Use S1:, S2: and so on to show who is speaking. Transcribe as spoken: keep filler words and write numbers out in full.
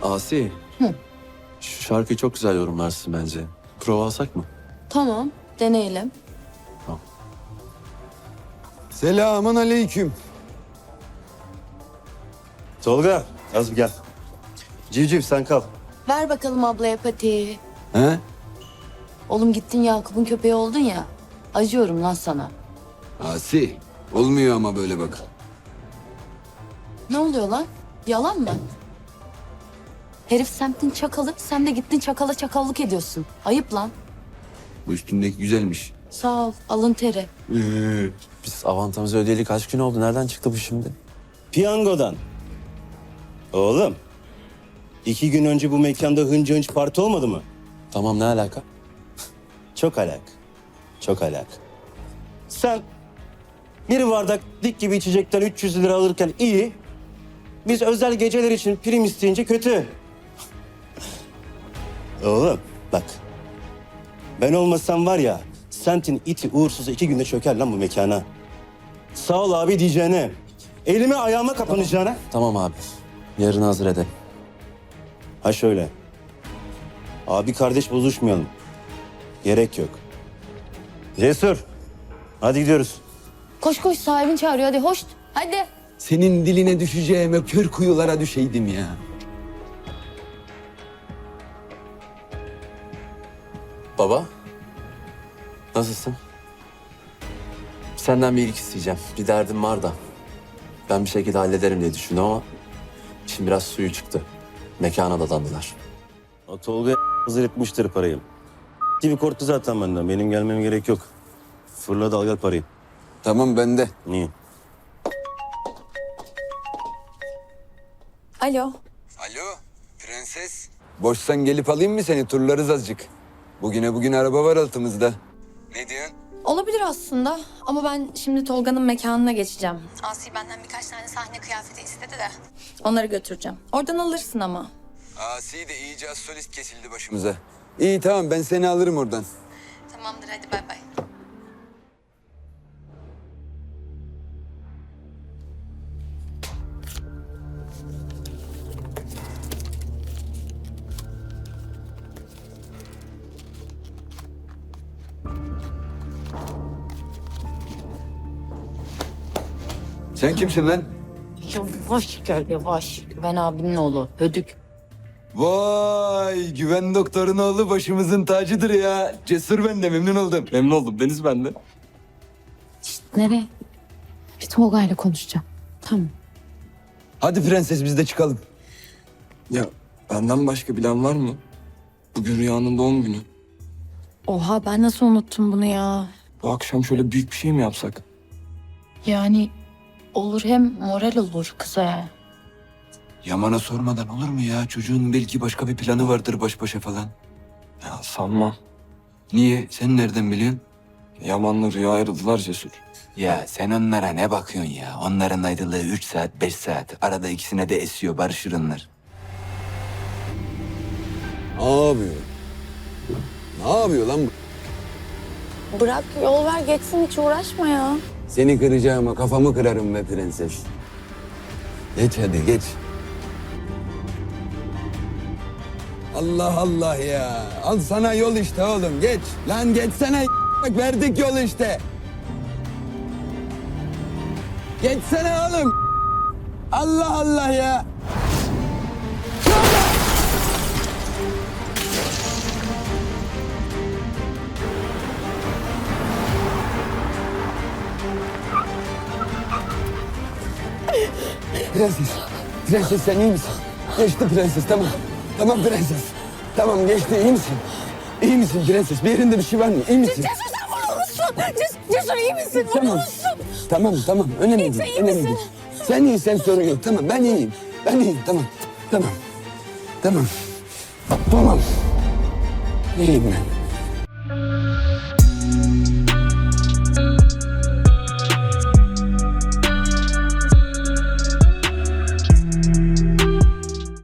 S1: Asi.
S2: Hı.
S1: Şu şarkıyı çok güzel yorumlarsın bence. Prova alsak mı?
S2: Tamam, deneyelim.
S3: Selamun aleyküm.
S4: Tolga, az bir gel. Civciv sen kal.
S2: Ver bakalım ablaya patiği.
S3: He?
S2: Oğlum gittin Yakup'un köpeği oldun ya. Acıyorum lan sana.
S3: Asi. Olmuyor ama böyle bak.
S2: Ne oluyor lan? Yalan mı? Herif semtin çakalı, sen de gittin çakala çakallık ediyorsun. Ayıp lan.
S3: Bu üstündeki güzelmiş.
S2: Sağ ol, alın teri.
S1: Biz avantamızı ödeyeli kaç gün oldu? Nereden çıktı bu şimdi?
S4: Piyangodan. Oğlum, iki gün önce bu mekanda hınca hınç parti olmadı mı?
S1: Tamam, ne alaka?
S4: Çok alak. Çok alak. Sen bir bardak dik gibi içecekten üç yüz lira alırken iyi. Biz özel geceler için prim isteyince kötü. Oğlum bak. Ben olmasam var ya, semtin iti uğursuzu iki günde çöker lan bu mekana. Sağ ol abi diyeceğine, elime ayağıma kapanacağına.
S1: Tamam abi. Yarın hazır edelim.
S4: Ha şöyle. Abi kardeş bozuşmayalım. Gerek yok. Cesur. Hadi gidiyoruz.
S2: Koş koş sahibin çağırıyor hadi hoş. Hadi.
S3: Senin diline düşeceğime kör kuyulara düşeydim ya.
S1: Baba. Nasılsın? Senden bir iyilik isteyeceğim. Bir derdim var da. Ben bir şekilde hallederim diye düşündüm ama... ...şimdi biraz suyu çıktı. Mekana dadandılar.
S4: O Tolga hazır etmiştir parayı. Gibi korktu zaten benden. Benim gelmem gerek yok. Fırla dalga parayı.
S3: Tamam bende.
S4: Niye?
S2: Alo.
S3: Alo prenses. Boşsan gelip alayım mı seni? Turlarız azıcık. Bugüne bugün araba var altımızda. Ne diyorsun?
S5: Olabilir aslında ama ben şimdi Tolga'nın mekanına geçeceğim. Asi benden birkaç tane sahne kıyafeti istedi de. Onları götüreceğim. Oradan alırsın ama.
S3: Asi de iyice az solist kesildi başımıza. İyi tamam ben seni alırım oradan.
S5: Tamamdır hadi bay bay.
S3: Sen kimsin lan?
S2: Yavaş gel yavaş. Ben abimin oğlu. Hödük.
S3: Vay güven doktorun oğlu başımızın tacıdır ya. Cesur ben de memnun oldum.
S1: Memnun oldum. Deniz ben de.
S2: Nereye? Bir Tolga'yla konuşacağım. Tamam.
S3: Hadi prenses biz de çıkalım.
S6: Ya benden başka bilen var mı? Bugün Rüya'nın doğum günü.
S5: Oha ben nasıl unuttum bunu ya?
S6: Bu akşam şöyle büyük bir şey mi yapsak?
S2: Yani olur hem moral olur kıza.
S3: Yaman'a sormadan olur mu ya? Çocuğun belki başka bir planı vardır baş başa falan.
S6: Ya sanmam.
S3: Niye? Sen nereden biliyorsun?
S6: Yaman'la Rüya ayrıldılar Cesur.
S7: Ya sen onlara ne bakıyorsun ya? Onların ayrılığı üç saat, beş saat. Arada ikisine de esiyor, barışırınlar.
S3: Ne yapıyor? Ne yapıyor lan bu?
S5: Bırak yol ver geçsin hiç uğraşma ya.
S3: Seni kıracağıma kafamı kırarım be prenses. Geç hadi geç. Allah Allah ya. Al sana yol işte oğlum geç. Lan geçsene bak verdik yol işte. Geçsene oğlum. Allah Allah ya. Prenses, prenses sen iyi misin? Geçti prenses, tamam. Tamam prenses. Tamam geçti, iyi misin? İyi misin prenses? Bir yerinde bir şey var mı? İyi misin?
S5: Cesur sen vurulmuşsun. Cesur, Cesur iyi misin?
S3: Tamam.
S5: Vurulmuşsun.
S3: Tamam, tamam. Önemli
S5: İyi,
S3: değil,
S5: sen iyi
S3: önemli
S5: misin?
S3: değil. Sen iyisin, sorun yok. Tamam, ben iyiyim. Ben iyiyim, tamam. Tamam. Tamam. Tamam. İyiyim ben.